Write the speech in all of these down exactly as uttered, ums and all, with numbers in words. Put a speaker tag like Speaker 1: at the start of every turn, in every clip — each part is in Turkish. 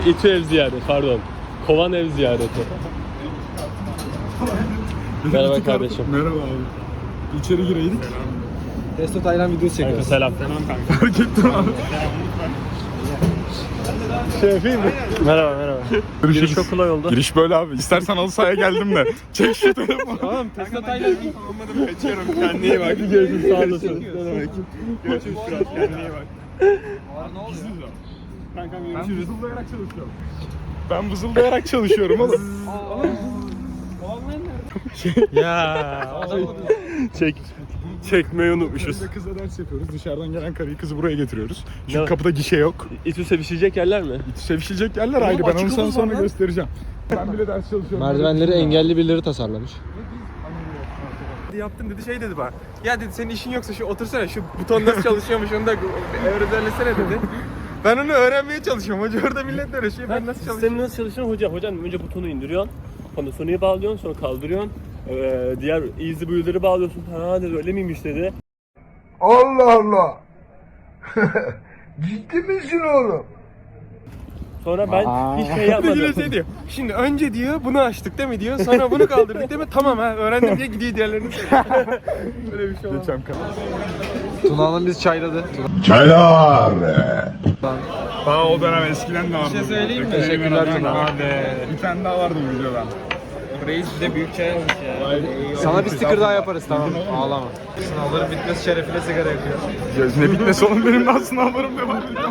Speaker 1: İTÜ ev ziyareti, pardon. Kovan ev ziyareti. Merhaba kardeşim.
Speaker 2: Merhaba abi. İçeri gireydik.
Speaker 3: Testo Taylan videosu çekiyoruz.
Speaker 1: Selam.
Speaker 2: Selam kanka. Fark ettim abi.
Speaker 1: Şey yapayım mı? Merhaba merhaba. Giriş çok kolay oldu.
Speaker 2: Giriş böyle abi. İstersen halı sahaya geldim de. Çek şu telefonu.
Speaker 1: Tamam, Testo Taylan.
Speaker 2: Olmadım, kaçıyorum. Kendine iyi bak.
Speaker 1: Hadi görüşürüz, sağ olasın.
Speaker 2: Ne demek? Görüşürüz Fırat. Kendine iyi bak. Gizli de. Kankam görüşürüz. Ben vızıldayarak çalışıyorum. Ben vızıldayarak çalışıyorum oğlum.
Speaker 1: Ya. Çek. Çekmeyi unutmuşuz.
Speaker 2: Biz de kızla ders yapıyoruz. Dışarıdan gelen karıyı kızı buraya getiriyoruz. Çünkü
Speaker 1: Ne?
Speaker 2: kapıda gişe yok.
Speaker 1: İTÜ sevişecek yerler mi?
Speaker 2: Sevişilecek yerler ayrı. Ben onu sana sonra göstereceğim. Ben bile ders çalışıyorum.
Speaker 3: Merdivenleri engelli birileri tasarlamış.
Speaker 4: Yaptım dedi, şey dedi bana. Ya dedi, senin işin yoksa şu otursana, şu buton nasıl çalışıyormuş onu da öğretsene dedi. Ben onu öğrenmeye çalışıyorum. Hoca orada millet uğraşıyor. Ben nasıl çalışıyorum?
Speaker 1: Sistemin nasıl çalışıyor hocam? Hocam önce butonu indiriyorsun. Sonra Sony'yi bağlıyorsun, sonra kaldırıyorsun. Ee, diğer easy build'ları bağlıyorsun. Ha dedi, öyle miymiş dedi.
Speaker 5: Allah Allah. Ciddi misin oğlum?
Speaker 1: Sonra ben hiç şey yapmadım.
Speaker 4: Yine şey diyor. Şimdi önce diyor bunu açtık değil mi diyor. Sonra bunu kaldırdık değil mi? Tamam ha öğrendim diye gidiyor diğerlerini söylüyor. Böyle bir şey olmaz.
Speaker 2: Geçen kadar.
Speaker 3: Tuna Hanım bizi çayladı.
Speaker 5: Çaylar.
Speaker 2: Daha o dönem eskiden de vardı.
Speaker 4: Bir şey söyleyeyim mi?
Speaker 3: Teşekkürler Tuna.
Speaker 2: Bir tane daha vardı bu videodan.
Speaker 4: Reis de büyük çay almış ya.
Speaker 3: Sana bir sticker daha yaparız, tamam. Ağlama. Sınavların bitmesi şerefine sigara yakıyor.
Speaker 2: Ne bitmesi oğlum, benim daha sınavlarım devam ediyor.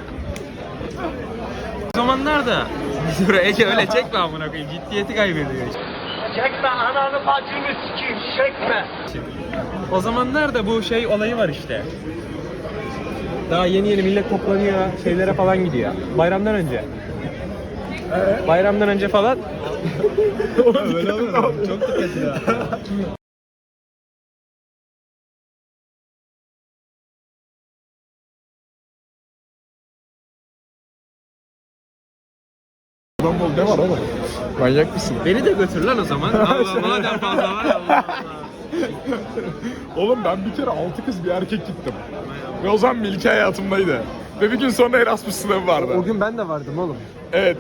Speaker 4: O zamanlarda biz buraya Ege öyle çekme amına koyayım. Ciddiyeti kaybediyor.
Speaker 6: Çekme ananı bacını sikeyim, çekme.
Speaker 4: O zamanlar da bu şey olayı var işte. Daha yeni yeni millet toplanıyor, şeylere falan gidiyor. Bayramdan önce. Bayramdan önce falan.
Speaker 2: Öyle olur.
Speaker 4: Çok dikkat ya.
Speaker 2: Adam ol, ne var oğlum? Manyak mısın?
Speaker 4: Beni de götür lan o zaman. Allah madem fazla var Allah Allah.
Speaker 2: Oğlum ben bir kere altı kız bir erkek gittim. Ve o zaman Melike hayatımdaydı. Ve bir gün sonra Erasmus sınavı vardı.
Speaker 3: O gün ben de vardım oğlum.
Speaker 2: Evet.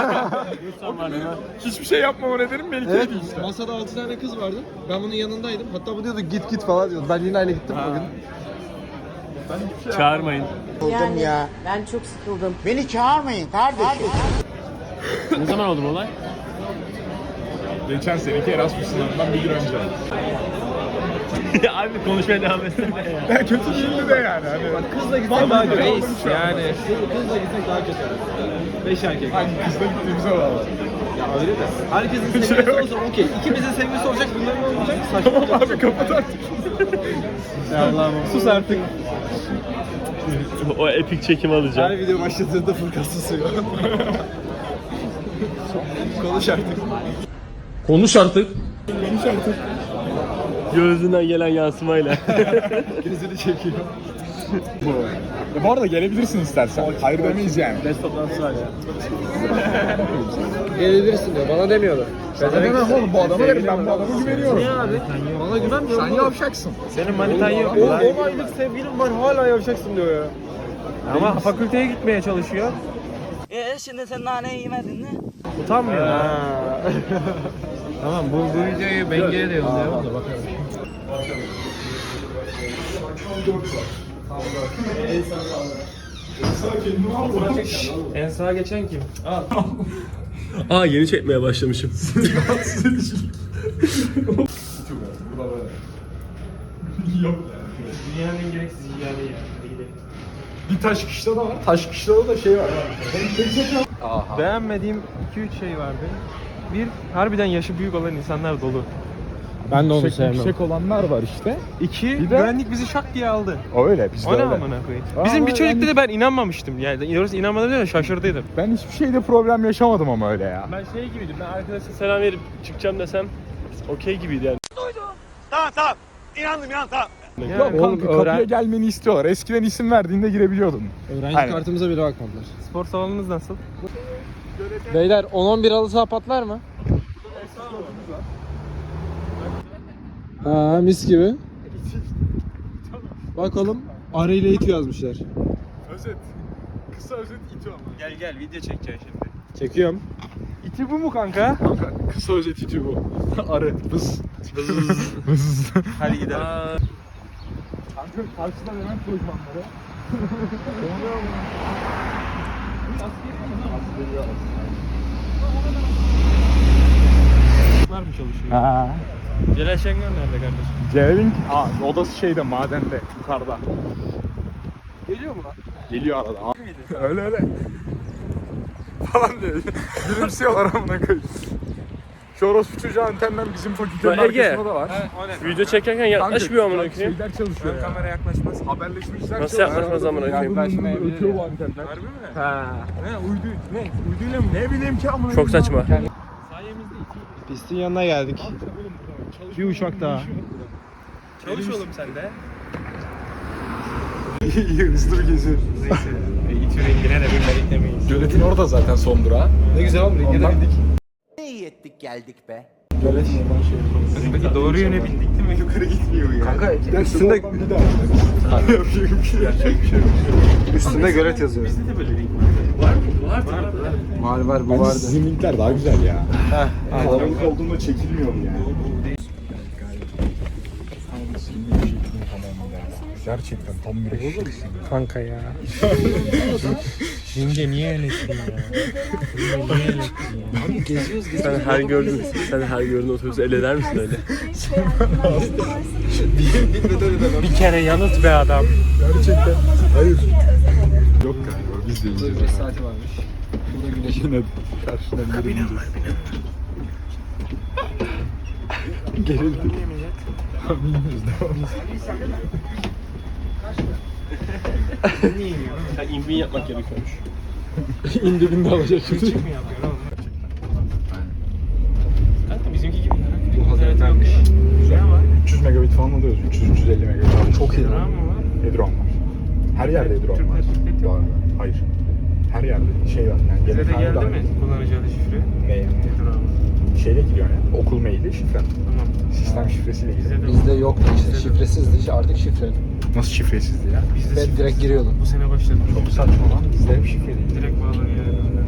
Speaker 2: Hiçbir şey yapmama nedenim Melike'ydi
Speaker 3: Evet,
Speaker 2: işte.
Speaker 3: masada altı tane kız vardı. Ben bunun yanındaydım. Hatta bu diyordu git git falan diyordu. Ben Lina ile gittim bugün.
Speaker 1: Çağırmayın.
Speaker 7: Yani ben çok sıkıldım.
Speaker 5: Beni çağırmayın kardeşim.
Speaker 1: Ne zaman oldu bu olay?
Speaker 2: Geçen seneki Erasmus sınavından bir gün önce.
Speaker 1: Abi konuşmaya devam etsene ya.
Speaker 2: Ya kötü değildi de yani. Hani...
Speaker 3: Kızla gitsek daha kötü.
Speaker 4: Reis yani.
Speaker 3: Kızla gitsek daha kötü. Beş erkek.
Speaker 2: Hangi kızla gittiğimize bağlı.
Speaker 3: Ya öyle de. Herkesin sevgilisi olsa okey. İkimizin sevgilisi olacak, bunların olmayacak. Saçma
Speaker 2: Tamam
Speaker 3: olacak.
Speaker 2: abi kapat artık.
Speaker 3: Ya Allah'ım. Sus artık.
Speaker 1: O epik çekim alacağım.
Speaker 3: Her video başladığında Furkan susuyor. Konuş artık. Konuş artık.
Speaker 2: Konuş artık.
Speaker 1: Gözünden gelen yansımayla.
Speaker 3: Gözünü çekiyor.
Speaker 2: Bu. Ya bu arada gelebilirsin istersen. Hayır demeyiz yani.
Speaker 1: Best toplantısı var ya.
Speaker 3: Gelebilirsin diyor. Bana demiyorlar.
Speaker 2: Ben demem oğlum, bu adama derim, ben bu adama güveniyorum.
Speaker 3: Niye abi? Bana güvenmiyor.
Speaker 2: Sen yavşaksın.
Speaker 4: Senin manitan yok mu
Speaker 3: Oğlum
Speaker 4: lan?
Speaker 3: on aylık sevgilim var, hala yavşaksın diyor ya.
Speaker 4: Ama fakülteye gitmeye çalışıyor.
Speaker 6: Ee şimdi sen naneyi yemedin mi?
Speaker 4: Utanmıyor. Tamam bu, bu videoyu Benge'ye de yollayalım da bakalım. En sağa geçen kim? Al.
Speaker 1: Aa, yeni çekmeye başlamışım.
Speaker 2: Yok.
Speaker 4: Dünyanın en gereksiz hikayeyi ya. Hadi gidelim.
Speaker 2: Bir taş kışla da var. Taş kışla da şey var.
Speaker 4: Beğenmediğim iki üç şey vardı. Bir, harbiden yaşı büyük olan insanlar dolu.
Speaker 3: Ben de onu
Speaker 2: Yüksek, yüksek olanlar var işte.
Speaker 4: İki,
Speaker 2: Bir de-
Speaker 4: güvenlik bizi şak diye aldı.
Speaker 2: O öyle, bizde
Speaker 4: O ne
Speaker 2: öyle.
Speaker 4: amına koyayım?
Speaker 2: Aa,
Speaker 4: Bizim bir
Speaker 2: ama
Speaker 4: çocukta
Speaker 2: yani-
Speaker 4: da ben inanmamıştım. Yani doğrusu inanmadım değil de şaşırdıydım.
Speaker 2: Ben hiçbir şeyde problem yaşamadım ama öyle ya.
Speaker 1: Ben şey gibiydim. Ben arkadaşa selam verip çıkacağım desem okey gibiydi yani.
Speaker 6: Tamam tamam. İnandım ya tamam.
Speaker 4: Yani
Speaker 2: Yok
Speaker 3: oğlum,
Speaker 2: kanka, kapıya
Speaker 3: öğren-
Speaker 2: gelmeni istiyorlar. Eskiden isim verdiğinde girebiliyordun.
Speaker 3: Öğrenci
Speaker 2: Aynen.
Speaker 3: kartımıza bile bakmadılar.
Speaker 4: spor salonunuz nasıl?
Speaker 3: Beyler on on bir halı saha patlar mı? Ha mis gibi. Bakalım arı ile it yazmışlar.
Speaker 2: Özet. kısa özet İTÜ ama.
Speaker 4: Gel gel video çekeceksin şimdi.
Speaker 3: Çekiyorum.
Speaker 4: İti bu mu kanka?
Speaker 2: Kanka kısa özet İTÜ bu. Arı. Vız. Vız.
Speaker 4: Hadi gidelim.
Speaker 2: Kanka karşıda Levent lojmanları.
Speaker 4: Var mı çalışıyor?
Speaker 2: Ha.
Speaker 4: Celal Şengör nerede kardeşim?
Speaker 2: Celal'in aa, odası şeyde madende yukarıda.
Speaker 4: Geliyor mu lan?
Speaker 2: Geliyor arada. Öyle öyle. Falan diyor. Gülümsüyorlar amına koyayım. Şu orospu çocuğu antenden bizim fakültenin
Speaker 1: Lan Ege.
Speaker 2: arkasında da var.
Speaker 1: Video çekerken yaklaşmıyor amına koyayım.
Speaker 2: Şeyler çalışıyor ya.
Speaker 4: Kamera yaklaşmaz.
Speaker 2: Haberleşmişler.
Speaker 1: Nasıl
Speaker 2: çalışıyor.
Speaker 1: yaklaşmaz amına koyayım?
Speaker 2: Yaklaşmayabilir. Ötüyor bu antenler.
Speaker 4: Harbi mi?
Speaker 2: Ha. Ne uydu ne? Uyduyla mı? Ne bileyim ki amına
Speaker 1: Çok saçma.
Speaker 4: Sayemizde
Speaker 3: Pistin yanına geldik. Bir uçak daha.
Speaker 4: çalış oğlum sen de.
Speaker 2: İyi hızlı geziyor.
Speaker 4: Neyse. İTÜ rengine de bilmedik demeyiz.
Speaker 2: Göletin orada zaten son durağı.
Speaker 3: Ne güzel oğlum. Ringe de
Speaker 2: Ondan-
Speaker 3: bindik.
Speaker 5: Ne iyi ettik geldik be.
Speaker 2: Gölet oradan şey yaparız.
Speaker 4: Peki doğru yöne bindik değil mi? Yukarı gitmiyor ya.
Speaker 3: Kanka
Speaker 2: Üstünde
Speaker 3: üstünde,
Speaker 2: bir daha. Yapacak bir şey yok.
Speaker 3: üstünde gölet yazıyor.
Speaker 4: Bizde de böyle ring var. Var mı? Var var.
Speaker 3: Var var bu
Speaker 2: Bence
Speaker 3: vardı.
Speaker 2: sizin linkler daha güzel ya.
Speaker 3: Heh.
Speaker 2: Kalabalık olduğunda çekilmiyor bu yani. Gerçekten tam bir eşeksin.
Speaker 4: Kanka ya. Ringe niye eleştirin ya? Ringe niye eleştirin ya?
Speaker 1: Sen her gördüğün, sen her gördüğün otobüsü el eder misin öyle?
Speaker 4: Bir kere yanıt be adam.
Speaker 2: Gerçekten. Hayır. Yok galiba biz de ineceğiz.
Speaker 3: beş saati varmış. Burada güneşin
Speaker 2: Yine karşıdan geri ineceğiz. Gerildik. Bilmiyoruz devam.
Speaker 1: Sen inbin yapmak gerekiyormuş.
Speaker 2: İndiğinde alacak şimdi.
Speaker 4: Mi yapıyor oğlum? Kanka bizimki gibi.
Speaker 3: Bu hazırlanmış.
Speaker 2: Güzel. üç yüz megabit falan alıyoruz. üç yüz üç yüz elli megabit. Çok iyi.
Speaker 4: Tamam mı var?
Speaker 2: Edron var. Her yerde Edron var.
Speaker 4: Türknet yok
Speaker 2: Var. Hayır. Her yerde şey var yani.
Speaker 4: Bize de
Speaker 2: Genel
Speaker 4: geldi
Speaker 2: tane
Speaker 4: mi kullanıcı adı şifre?
Speaker 2: Ne yani?
Speaker 4: Nedir abi?
Speaker 2: Şeyle giriyor yani. Okul maili şifren.
Speaker 4: Tamam.
Speaker 2: Sistem şifresiyle
Speaker 4: Bize
Speaker 2: giriyor.
Speaker 4: de
Speaker 3: Bizde yoktu işte şifresizdi artık şifreli.
Speaker 2: Nasıl şifresizdi ya?
Speaker 4: Bizde
Speaker 3: Ben direkt giriyordum.
Speaker 4: bu sene başladım.
Speaker 2: Çok saçma lan. Bizde hep şifreliydi.
Speaker 4: Direkt bağlanıyor.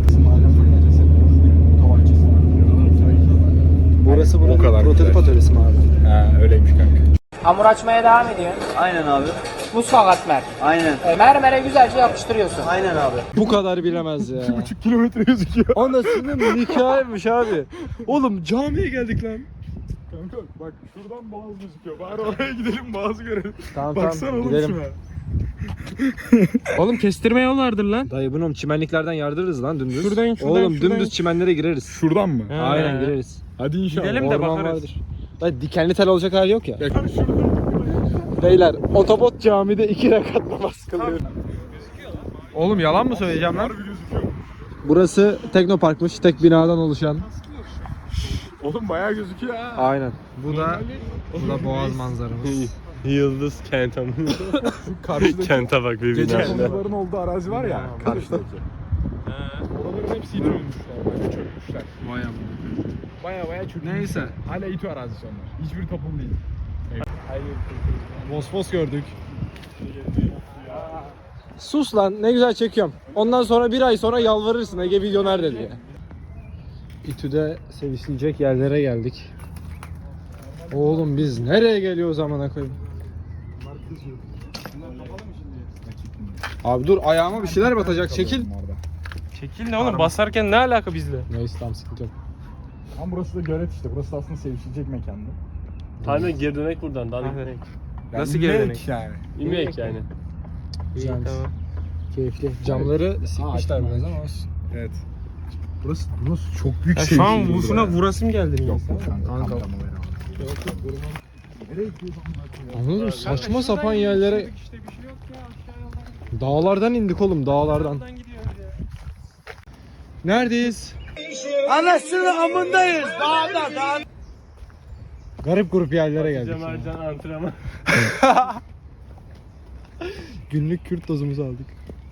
Speaker 3: Burası
Speaker 2: O
Speaker 3: buranın
Speaker 2: kadar
Speaker 3: prototip
Speaker 2: güzel.
Speaker 3: atölyesi mi abi?
Speaker 2: Ha öyleymiş kanka.
Speaker 8: Hamur açmaya devam ediyor.
Speaker 5: Aynen abi.
Speaker 8: Mutfak atmer.
Speaker 5: Aynen.
Speaker 8: E, mermere güzelce yapıştırıyorsun.
Speaker 5: Aynen abi.
Speaker 3: Bu kadar bilemez ya.
Speaker 2: iki buçuk kilometre gözüküyor.
Speaker 3: Anasının nikahıymış abi. Oğlum camiye geldik lan.
Speaker 2: Kanka bak şuradan boğaz gözüküyor. Bari oraya gidelim boğazı görelim.
Speaker 3: Tamam
Speaker 2: Baksana
Speaker 3: tamam
Speaker 2: oğlum
Speaker 3: gidelim.
Speaker 2: şuna.
Speaker 4: Oğlum kestirme yol vardır lan.
Speaker 3: Dayı bunu çimenliklerden yardırırız lan dümdüz.
Speaker 4: Şuradan, şuradan,
Speaker 3: Oğlum
Speaker 4: şuradan.
Speaker 3: dümdüz çimenlere gireriz.
Speaker 2: Şuradan mı?
Speaker 4: He.
Speaker 3: Aynen gireriz.
Speaker 2: Hadi inşallah.
Speaker 4: Gidelim de
Speaker 3: Orman
Speaker 4: bakarız.
Speaker 3: vardır. Dayı dikenli tel olacak hali yok ya.
Speaker 2: Ya şurada.
Speaker 3: Beyler otobot camide iki rekat namaz kılıyor.
Speaker 4: Oğlum yalan mı söyleyeceğim lan?
Speaker 2: Harbi gözüküyor.
Speaker 3: Burası Teknopark'mış. Tek binadan oluşan.
Speaker 2: Oğlum bayağı gözüküyor ha.
Speaker 3: Aynen.
Speaker 4: Bu da bu da boğaz manzaramız.
Speaker 1: Yıldız kent amına.
Speaker 2: Şu karşıdaki
Speaker 1: Kente bak bir
Speaker 2: gece
Speaker 1: bina.
Speaker 2: konuların olduğu arazi var ya. Karşıdaki. Oraların hepsi İTÜ olmuşlar. Böyle çökmüşler.
Speaker 4: Vay amma.
Speaker 2: Baya baya çökmüşler.
Speaker 4: Neyse.
Speaker 2: Hala İTÜ arazisi onlar. Hiçbir toplum değil.
Speaker 3: Bosfos gördük. Sus lan ne güzel çekiyorum. Ondan sonra bir ay sonra yalvarırsın Ege video nerede diye. İTÜ'de sevişilecek yerlere geldik. Oğlum biz nereye geliyoruz amına koyayım? Abi dur ayağıma bir şeyler batacak çekil.
Speaker 4: Çekil ne oğlum basarken ne alaka bizle?
Speaker 3: Neyse tamam sıkıntı yok.
Speaker 2: Ama burası da gölet işte. Burası da aslında sevişilecek mekandı.
Speaker 1: Aynen geri dönek buradan. Daha da
Speaker 4: Evet.
Speaker 1: gitmek.
Speaker 2: Yani
Speaker 4: Nasıl geri
Speaker 2: ne
Speaker 4: dönek?
Speaker 2: ki yani?
Speaker 1: İnmeyek yani.
Speaker 3: Güzelmiş.
Speaker 4: Tamam.
Speaker 3: Keyifli. Camları sikmişler biraz ama olsun.
Speaker 2: Evet. Burası, burası çok büyük
Speaker 4: Ya
Speaker 2: sevişilir.
Speaker 4: şu an bu şuna vurasım geldi.
Speaker 2: Yok yok kanka.
Speaker 3: Kanka.
Speaker 2: Kanka. Nereye gidiyorsun?
Speaker 3: Anladın mı? Saçma sapan yerlere
Speaker 4: İşte bir şey yok ya aşağı yoldan.
Speaker 3: dağlardan indik oğlum dağlardan.
Speaker 4: Yoldan gidiyoruz ya.
Speaker 3: Neredeyiz?
Speaker 5: Anasını amındayız. Dağda dağda.
Speaker 3: Garip grup yerlere geldik. ya.
Speaker 1: Cemalcan antrenman.
Speaker 3: Günlük Kürt tozumuzu aldık.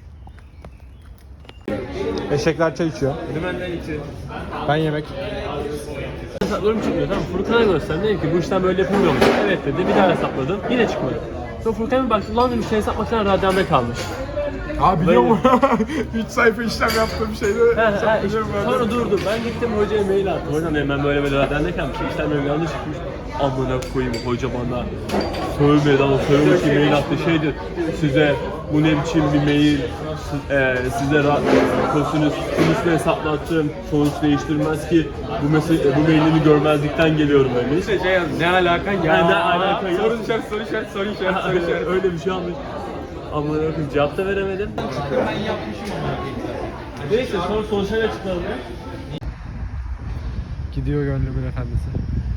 Speaker 3: Eşekler çay içiyor.
Speaker 1: Dümenden içi.
Speaker 3: Ben yemek.
Speaker 1: Hesaplarım çıkmıyor tamam. Furkan'a gösterdim dedim ki bu işten böyle yapılmıyormuş. Evet dedi bir daha hesapladım. Yine çıkmadı. Sonra Furkan'a bir baktım lan dedim şey hesap makinesi radyanda kalmış.
Speaker 2: Abi biliyor musun? üç sayfa işlem yaptığım şeyde
Speaker 1: Ha, ha, işte,
Speaker 2: saklıyorum ben.
Speaker 1: sonra durdum. Ben gittim hocaya mail attım. Hocam dedim ben böyle böyle derdeyken bir şey işlemlerim yanlış çıkmış. Amına koyayım hoca bana sövmedi ama sövmüş ki mail attı şeydir. Size bu ne biçim bir mail, siz- e, size ra- kosinüs sinüsle hesaplattım. Sonuç değiştirmez ki bu mesele bu mailini görmezlikten geliyorum demiş.
Speaker 4: İşte şey yazdım, ne alaka ya?
Speaker 1: Ha, ne alaka ya?
Speaker 4: Soru işareti, soru işareti, soru işareti, soru işareti.
Speaker 1: Öyle bir şey almış. Amına koyayım cevap da veremedim. Neyse sonra sonuçları açıkladım.
Speaker 3: Gidiyor gönlümün efendisi.